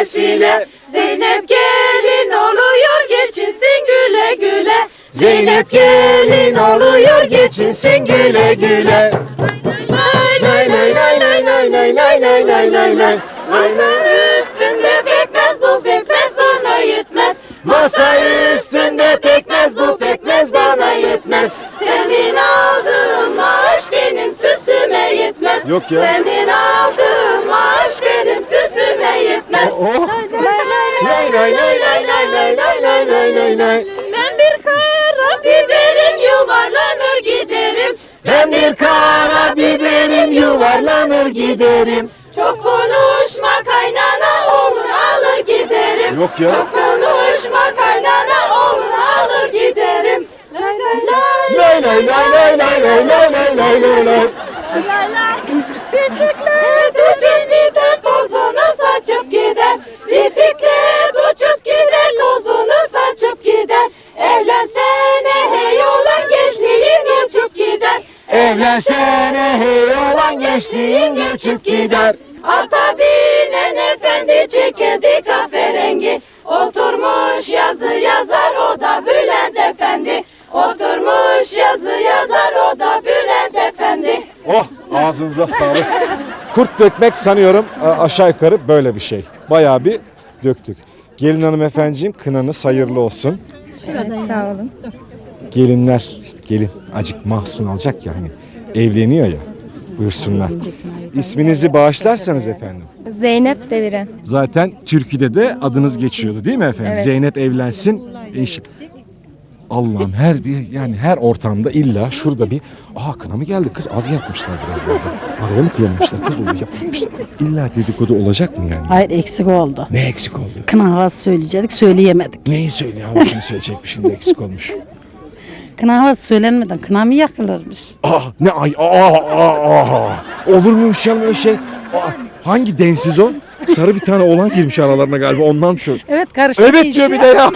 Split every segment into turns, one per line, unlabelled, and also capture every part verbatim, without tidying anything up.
vesile. Zeynep gelin oluyor geçinsin güle güle.
Zeynep gelin oluyor geçinsin güle güle. Lay lay lay lay lay lay lay lay lay lay lay.
Masa üstünde pekmez bu pekmez bana yetmez.
Masa üstünde pekmez bu pekmez bana yetmez.
Senin aldığın maaş benim süsüme yetmez.
Yok ya.
Senin aldığın maaş benim süsüme yetmez.
Oh. Lay lay lay lay lay lay lay lay lay lay lay.
Ben bir kara biberim yuvarlanır giderim.
Ben bir kara biberim yuvarlanır giderim.
Çok konuşma kaynana olur alır giderim.
Yok ya.
Çok konuşma kaynana olur alır giderim. Lay lay
Lay
lay
lay lay lay lay lay lay lay lay lay lay.
lay lay. Bisiklet uçup gider tozunu saçıp gider. Bisiklet uçup gider tozunu saçıp gider. Evlensene hey olan gençliğin uçup gider.
Evlensene hey olan gençliğin göçüp gider.
Ata binen efendi çekirdi kahverengi. Oturmuş yazı yazar o da Bülent Efendi. Oturmuş yazı yazar o da Bülent Efendi.
Oh, ağzınıza sağlık. Kurt dökmek sanıyorum aşağı yukarı böyle bir şey. Bayağı bir döktük. Gelin hanımefendiciğim kınanız hayırlı olsun.
Evet, sağ olun.
Gelinler işte gelin acık mahzun alacak ya hani evleniyor ya, buyursunlar. İsminizi bağışlarsanız efendim.
Zeynep Deviren.
Zaten türküde de adınız geçiyordu değil mi efendim?
Evet.
Zeynep evlensin. Eş... Allah'ım her bir yani her ortamda illa şurada bir aa kına mı geldi kız az yapmışlar biraz galiba. Araya mı kıyamamışlar kız onu yapmamışlar. İlla dedikodu olacak mı yani?
Hayır eksik oldu.
Ne eksik oldu?
Kına havası söyleyecektik söyleyemedik.
Neyi söyle havasını söyleyecekmiş şimdi eksik olmuş.
Kına havası söylenmeden kına mı yakılırmış?
Ah ne ay aa, aa, aa. Olur muymuş ya öyle şey? Aa, hangi densiz o? Sarı bir tane oğlan girmiş aralarına galiba ondan şu.
Evet karıştı.
Evet diyor bir de ya.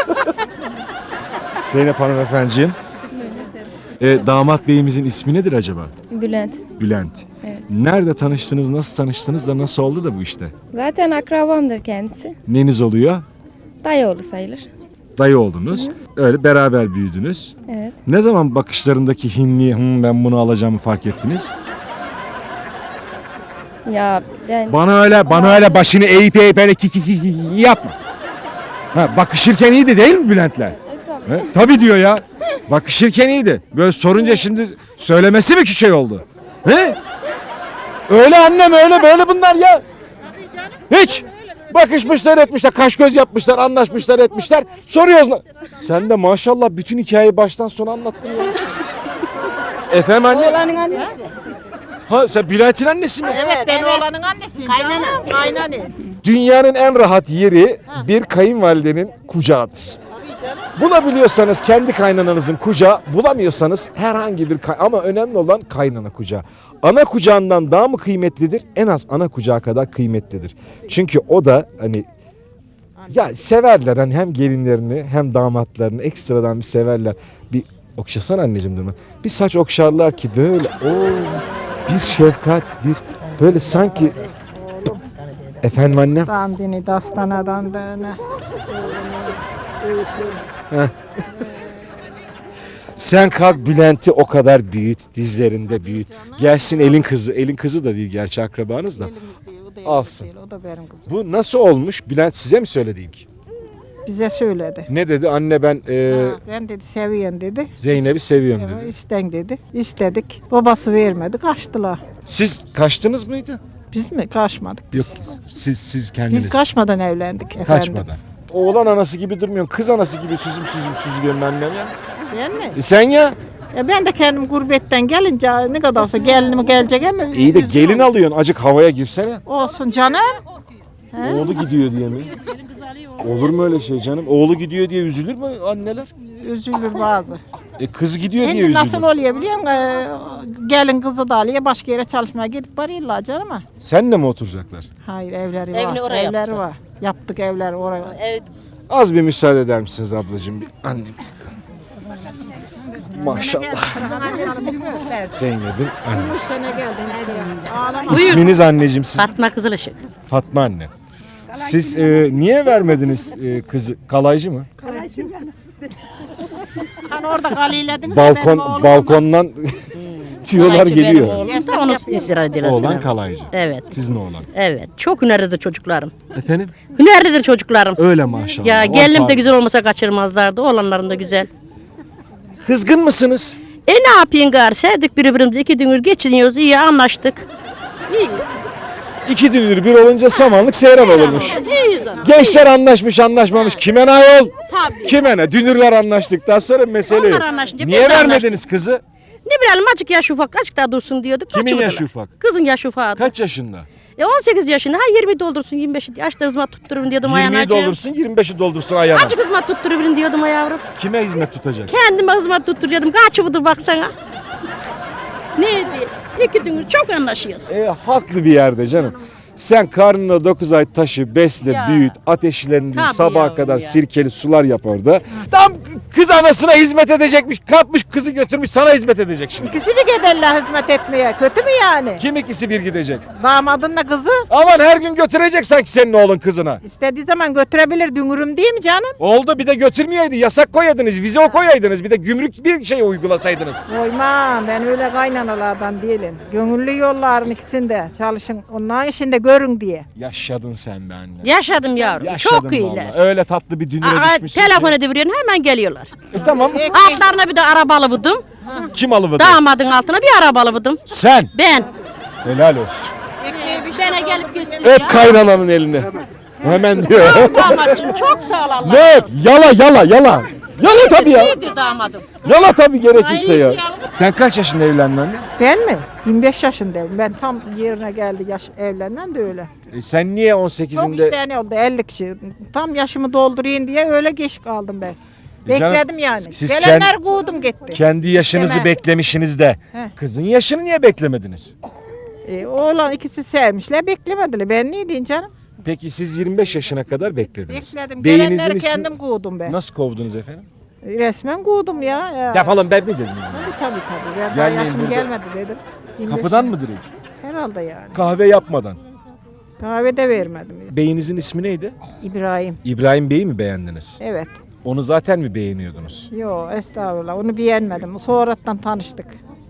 Zeynep hanımefendiciğim. E, damat beyimizin ismi nedir acaba?
Bülent.
Bülent.
Evet.
Nerede tanıştınız, nasıl tanıştınız da nasıl oldu da bu işte?
Zaten akrabamdır kendisi.
Neniz oluyor?
Dayıoğlu sayılır.
Dayı oldunuz. Öyle beraber büyüdünüz.
Evet.
Ne zaman bakışlarındaki hinliği "Hım, ben bunu alacağımı fark ettiniz?
Ya ben
Bana öyle, bana öyle başını eğip eğip öyle ki ki ki ki yapma. Ha, bakışırken iyiydi değil mi Bülent'le?
E, tabii.
He? Tabii diyor ya. Bakışırken iyiydi. Böyle sorunca şimdi söylemesi mi ki şey oldu? He? Öyle annem öyle böyle bunlar ya. Hiç. Bakışmışlar etmişler, kaş göz yapmışlar, anlaşmışlar etmişler. Soruyoruz lan. Sen de maşallah bütün hikayeyi baştan sona anlattın ya. Efendim anne?
Oğlanın annesi.
Ha sen Bülent'in annesi mi?
Evet, ben oğlanın annesiyim. Kaynana. Kaynana.
Dünyanın en rahat yeri bir kayınvalidenin kucağıdır. Bulabiliyorsanız kendi kaynananızın kucağı, bulamıyorsanız herhangi bir kay- ama önemli olan kaynana kucağı. Ana kucağından daha mı kıymetlidir? En az ana kucağı kadar kıymetlidir. Çünkü o da hani ya severler hani hem gelinlerini hem damatlarını ekstradan bir severler. Bir okşasana anneciğim durma. Bir saç okşarlar ki böyle o bir şefkat bir böyle sanki efendim annem.
Dandini dastanadan dene.
Sen kalk Bülent'i o kadar büyüt, dizlerinde büyüt. Gelsin elin kızı, elin kızı da değil gerçi akrabanız da. Alsın.
O da benim kızım.
Bu nasıl olmuş? Bülent size mi söyledi ilk?
Bize söyledi.
Ne dedi? Anne ben e,
Ha, ben dedi seviyen dedi.
Zeynep'i seviyorum
Evet,
dedi.
İsten dedi. İstedik. Babası vermedi. Kaçtılar.
Siz kaçtınız mıydı?
Biz mi? Kaçmadık
Yok
biz.
siz siz kendiniz.
Biz kaçmadan evlendik efendim.
Kaçmadan. Oğlan anası gibi durmuyorsun. Kız anası gibi süzüm süzüm süzülüyorum annem ya.
Ben mi?
E sen ya?
E ben de kendim gurbetten gelince ne kadar olsa gelinim gelecek ama.
İyi de
üzgün
gelin
oldum.
alıyorsun. Acık havaya girsene.
Olsun canım. He?
Oğlu gidiyor diye mi? Olur mu öyle şey canım? Oğlu gidiyor diye üzülür mü anneler?
Üzülür bazı.
E kız gidiyor diye
Şimdi
üzülür.
nasıl oluyor biliyor musun? Ee, gelin kızı da alıyor başka yere çalışmaya gidip var illa canım ama.
Senle mi oturacaklar?
Hayır evleri
Evini
var.
oraya
Evleri
yaptı.
var. Yaptık evler oraya.
Evet.
Az bir müsaade eder misiniz ablacığım? Bir annem. Maşallah. Zeynep'in annesi.
Sene geldin. Ağlama.
İsminiz anneciğim siz?
Fatma Kızılışık.
Fatma anne. Siz e, niye vermediniz e, kızı? Kalaycı mı?
Hani orada galilediniz ya, benim
Balkon
oğlum
balkondan tüyolar
Kalaycı benim
geliyor.
oğlum da onu istirahat ediyorlar.
Oğlan kalaycı.
Evet.
Sizin oğlan.
Evet. Çok hünerlidir çocuklarım.
Efendim?
Hünerlidir çocuklarım.
Öyle maşallah.
Ya
On
gelinim de
parmak.
güzel olmasa kaçırmazlardı. Oğlanlarım da güzel.
Kızgın mısınız?
E ne yapayım gari? Sevdik birbirimizi. İki dünür geçiniyoruz. İyi anlaştık. İyiyiz.
İki dünür bir olunca samanlık seyran olurmuş.
İyiyiz ama.
Gençler anlaşmış anlaşmamış. Kime ne ayol?
Tabii.
Kime ne? Dünürler anlaştıktan sonra mesele yok.
Onlar anlaşınca
Niye
biz de
vermediniz kızı?
Ne bilelim azıcık yaş ufak. Azıcık daha dursun diyorduk.
Kimin
kaçırdılar.
yaşı ufak?
Kızın yaşı ufak.
Kaç yaşında?
E on sekiz yaşında. Ha yirmi doldursun yirmi beş. Yaşta hizmet tutturun diyordum ayağına.
yirmiyi doldursun yirmi beşi doldursun ayağına.
Azıcık hizmet tutturun diyordum ha yavrum.
Kime hizmet tutacak?
Kendime hizmet tutturuyordum. Kaç yıldır baksana. Neydi? İki dünür çok anlaşıyoruz.
E, haklı bir yerde canım. Sen karnına dokuz ay taşı, besle,
Ya.
büyüt, ateşlendir,
Tabii
sabaha
yavrum
kadar
ya.
sirkeli sular yap orada. Tam kız anasına hizmet edecekmiş. Kapmış kızı götürmüş sana hizmet edecek şimdi.
İkisi mi giderler hizmet etmeye? Kötü mü yani?
Kim ikisi bir gidecek?
Damadınla kızı
Aman her gün götürecek sanki senin oğlun kızına.
istediği zaman götürebilir dünürüm değil mi canım?
Oldu bir de götürmeyeydi. Yasak koyaydınız, vize o koyaydınız. Bir de gümrük bir şey uygulasaydınız.
Koymam, ben öyle kaynanalardan değilim. Gönüllü yolların ikisinde çalışın, onların işinde görün diye.
Yaşadın sen be anne.
Yaşadım yavrum.
Yaşadın
çok iyiler.
vallahi. Öyle tatlı bir dünüre
Aa,
düşmüşsün
telefon
ki.
ediveriyorsun hemen geliyorlar.
E, tamam.
Altlarına bir de arabalı vurdum.
Kim alıvırdı?
Damadın altına bir arabalı vurdum.
Sen.
Ben.
Helal olsun.
Ekmeği bir
Bana gelip gitsin
Öp
ya.
kaynananın elini. Hemen diyor.
Damatçım çok sağ ol Allah.
Ne öp? Yala yala yala. Yala tabii ya.
İyidir damadım.
Yala tabii gerekirse ya. Sen kaç yaşında evlendin anne?
Ben mi? yirmi beş yaşındayım. Ben tam yerine geldi yaş evlenmem de öyle.
E sen niye on
Çok
sekizinde
isteyen oldu elli kişi. Tam yaşımı doldurayım diye öyle geç kaldım ben.
E canım,
Bekledim yani.
siz
Gelenler
kend-
kovdum gitti.
kendi yaşınızı
İstemem.
beklemişsiniz de
Heh.
kızın yaşını niye beklemediniz?
E, oğlan ikisi sevmişler beklemediler. Ben ne diyeyim canım?
Peki siz yirmi beş yaşına kadar beklediniz.
Bekledim.
Beyinizin
Gelenleri
ismi-
kendim kovdum ben.
Nasıl kovdunuz efendim?
E, Resmen kovdum ya. ya.
Defolun ben mi dediniz? yani?
Tabii tabii tabii. Ben daha
Gelmeyin
yaşım
burada.
gelmedi dedim. yirmi beş
Kapıdan mı direkt?
Herhalde yani.
Kahve yapmadan.
Kahve de vermedim.
Beyinizin ismi neydi?
İbrahim.
İbrahim Bey'i mi beğendiniz?
Evet.
Onu zaten mi beğeniyordunuz?
Yo estağfurullah. Onu beğenmedim. Sonradan tanıştık.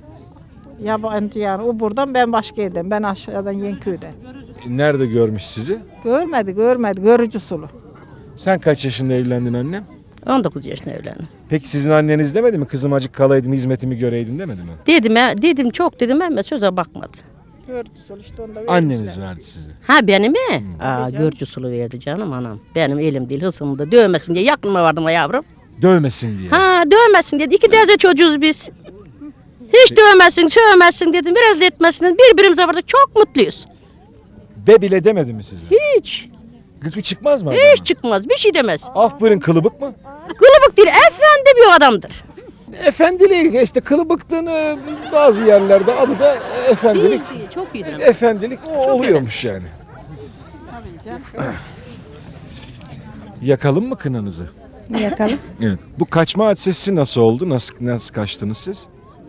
Yabancı yani. O buradan ben başka yerden. Ben aşağıdan Yenköy'den.
E, Nerede görmüş sizi?
Görmedi görmedi. Görücü sulu.
Sen kaç yaşında evlendin annem?
on dokuz yaşında evlendim.
Peki sizin anneniz demedi mi? Kızım acık kalaydın hizmetimi göreydin demedi mi?
Dedim, he, dedim çok dedim ama söze bakmadı.
Görücü sulu işte onu da
Anneniz
vermişler.
verdi size.
Ha benim mi? Aa görücü sulu verdi canım anam. Benim elim değil hısımı da dövmesin diye yakınıma vardım ha yavrum.
Dövmesin diye.
Ha dövmesin dedi. İki teyze çocuğuz biz. Hiç dövmesin, sövmesin dedim. Biraz da etmesin. Birbirimize vardık. Çok mutluyuz.
Be bile demedi mi size?
Hiç.
Gıkı çıkmaz mı?
Hiç çıkmaz. Bir şey demez.
Aferin kılıbık mı?
Kılıbık değil. Efendi bir adamdır.
Efendiliği işte kılıbıktığını bazı yerlerde adı da efendilik.
Değil, değil. Çok iyidir.
Efendilik o oluyormuş yani. Yakalım mı kınanızı?
Yakalım.
Evet. Bu kaçma hadisesi nasıl oldu? Nasıl nasıl kaçtınız siz?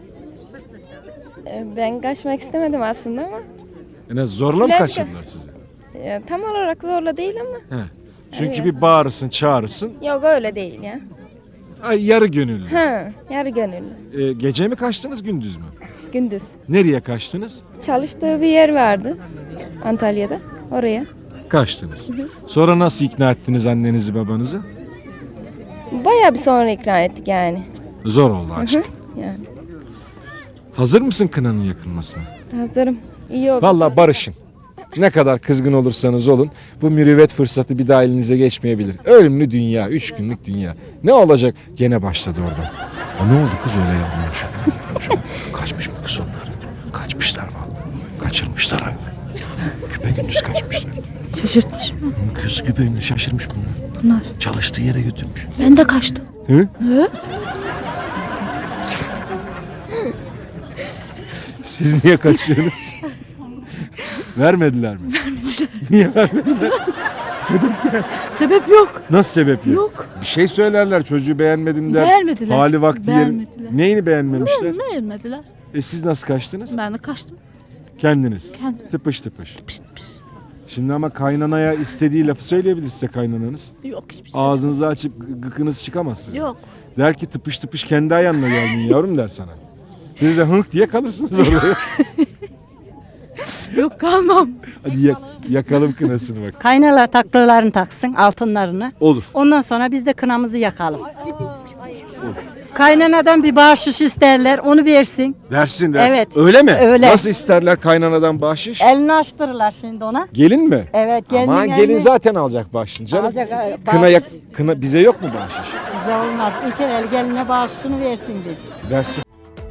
Ee, Ben kaçmak istemedim aslında ama
Yani zorla mı
Bülent-
kaçırdılar sizi?
e, tam olarak zorla değil ama.
He. Çünkü bir bağırırsın, çağırırsın.
Yok öyle değil ya.
Ay, yarı gönüllü.
Ha, yarı gönüllü.
Ee, gece mi kaçtınız, gündüz mü?
Gündüz.
Nereye kaçtınız?
Çalıştığı bir yer vardı Antalya'da. Oraya.
Kaçtınız. Sonra nasıl ikna ettiniz annenizi, babanızı?
Bayağı bir sonra ikna ettik yani.
Zor oldu aşk.
Yani
Hazır mısın kınanın yakılmasına?
hazırım. İyi oldu.
Vallahi barışın. Ne kadar kızgın olursanız olun bu mürüvvet fırsatı bir daha elinize geçmeyebilir. Ölümlü dünya, üç günlük dünya. Ne olacak? Gene başladı oradan. O ne oldu kız öyle yapmamış? Kaçmış mı kız onlar? Kaçmışlar vallahi. Kaçırmışlar ha. Küpe gündüz kaçmışlar.
Şaşırtmış mı?
Kız küpe gündüz şaşırmış bunlar.
Bunlar.
Çalıştığı yere götürmüş.
Ben de kaçtım.
Hı? Siz niye kaçıyorsunuz? Vermediler mi? Vermediler. Niye vermediler? Sebep ne?
Sebep yok.
Nasıl sebep yok?
Yok.
Bir şey söylerler çocuğu beğenmedim der.
Beğenmediler.
Hali vakti yerin.
Beğenmediler.
Neyini beğenmemişler?
Beğenmediler.
E siz nasıl kaçtınız?
Ben de kaçtım.
Kendiniz.
Kendim.
Tıpış tıpış.
Pişt pişt.
Şimdi ama kaynanaya istediği lafı söyleyebilir size kaynananız.
Yok hiçbir şey.
Ağzınızı açıp gı- gıkınız çıkamaz sizin.
Yok.
Der ki tıpış tıpış kendi ayağınla geldin yavrum der sana. Siz de hınk diye kalırsınız orada.
Yok kalmam.
Hadi yak- yakalım kınasını bak.
Kaynalar taklalarını taksın, altınlarını.
Olur.
Ondan sonra biz de kınamızı yakalım. Kaynanadan bir bahşiş isterler, onu versin.
Versin ver.
Evet.
Öyle mi?
Öyle.
Nasıl isterler kaynanadan bahşiş?
Elini açtırırlar şimdi ona.
Gelin mi?
Evet, gelinin
Aman gelin
elini-
zaten alacak bahşişini canım.
Alacak, e,
Kına, yak-
bahşiş.
kına bize yok mu bahşiş?
Size olmaz. İlk evvel geline bahşişini versin bir.
Versin.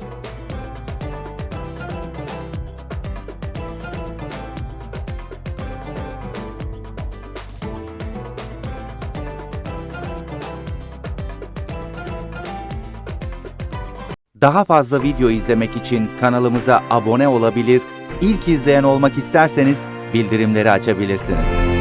Daha fazla video izlemek için kanalımıza abone olabilir, ilk izleyen olmak isterseniz bildirimleri açabilirsiniz.